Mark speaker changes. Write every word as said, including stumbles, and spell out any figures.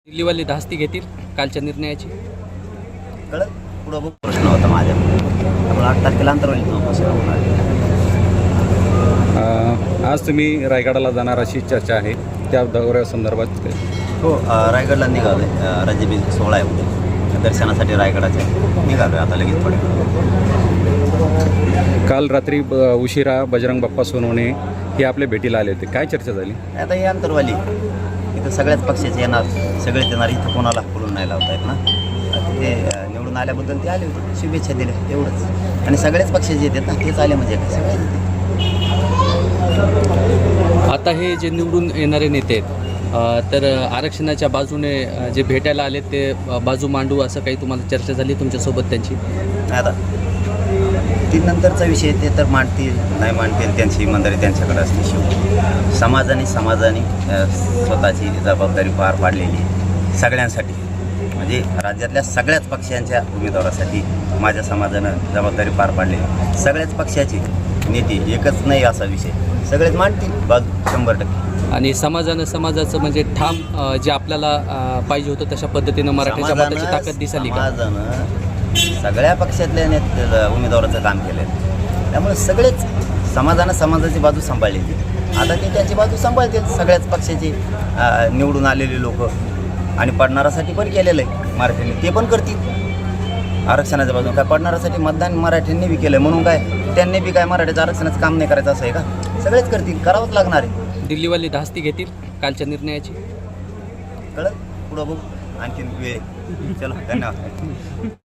Speaker 1: दिल्लीवाले धास्ती घेतील कालच्या निर्णयाची.
Speaker 2: कळत पुढं बघ प्रश्न होता माझ्या त्यामुळे आठ तारखेला अंतर होईल
Speaker 3: अ, आज तुम्ही रायगडाला जाणार अशी चर्चा आहे, त्या दौऱ्यासंदर्भात काय?
Speaker 2: हो अ, रायगडला निघालो आहे. राज्यबीज सोहळा आहे उद्या दर्शनासाठी रायगडाचे निघालो आहे आता लगेच पडेल.
Speaker 3: काल रात्री ब उशिरा बजरंग बाप्पा सोनवणे हे आपल्या भेटीला आले होते, काय चर्चा झाली?
Speaker 2: आता ही अंतरवाली इथं सगळ्याच पक्षाचे येणार, सगळेच येणार, इथं कोणाला बोलून नाही लावता येत ना. ते निवडून आल्याबद्दल ते आले होते, शुभेच्छा दिल्या तेवढंच. आणि सगळ्याच पक्षाचे येतात ना, तेच आले म्हणजे काय सगळे येते.
Speaker 1: आता हे जे निवडून येणारे नेते आहेत अ, तर आरक्षणाच्या बाजूने अ, जे भेटायला आले ते अ, बाजू मांडू असं काही तुम्हाला चर्चा झाली तुमच्यासोबत त्यांची?
Speaker 2: आता ती नंतरचा विषय, ते तर मांडतील नाही मांडतील त्यांची इमानदारी त्यांच्याकडे असते. शिव समाजाने समाजाने अ, स्वतःची जबाबदारी पार पाडलेली आहे सगळ्यांसाठी, म्हणजे राज्यातल्या सगळ्याच पक्षांच्या उमेदवारासाठी माझ्या समाजानं जबाबदारी पार पाडलेली आहे. सगळ्याच पक्षाचे नेते, एकच नाही असा विषय, सगळेच मांडतील बाजू शंभर टक्के.
Speaker 1: आणि समाजानं समाजाचं म्हणजे ठाम अ, जे आपल्याला अ, पाहिजे होतं तशा पद्धतीनं मराठ्याच्या मताची ताकद दिसाली का?
Speaker 2: समाजानं सगळ्या पक्षातल्या नेते उमेदवाराचं काम केलं आहे, त्यामुळे सगळेच समाजानं समाजाची बाजू सांभाळलेली. आता ते त्यांची बाजू सांभाळतील सगळ्याच पक्षाचे अ, निवडून आलेले लोक, आणि पडणारासाठी पण केलेलं आहे मराठ्यांनी, ते पण करतील आरक्षणाच्या बाजून. काय पडणारासाठी मतदान मराठ्यांनी बी केलं म्हणून काय त्यांनी बी काय मराठ्याचं आरक्षणाचं काम नाही करायचं असं आहे का? सगळेच करतील, करावंच लागणार आहे.
Speaker 1: दिल्लीवाले धास्ती घेतील कालच्या निर्णयाची.
Speaker 2: कळत पुढं बघू आणखीन वेळ. चलो धन्यवाद.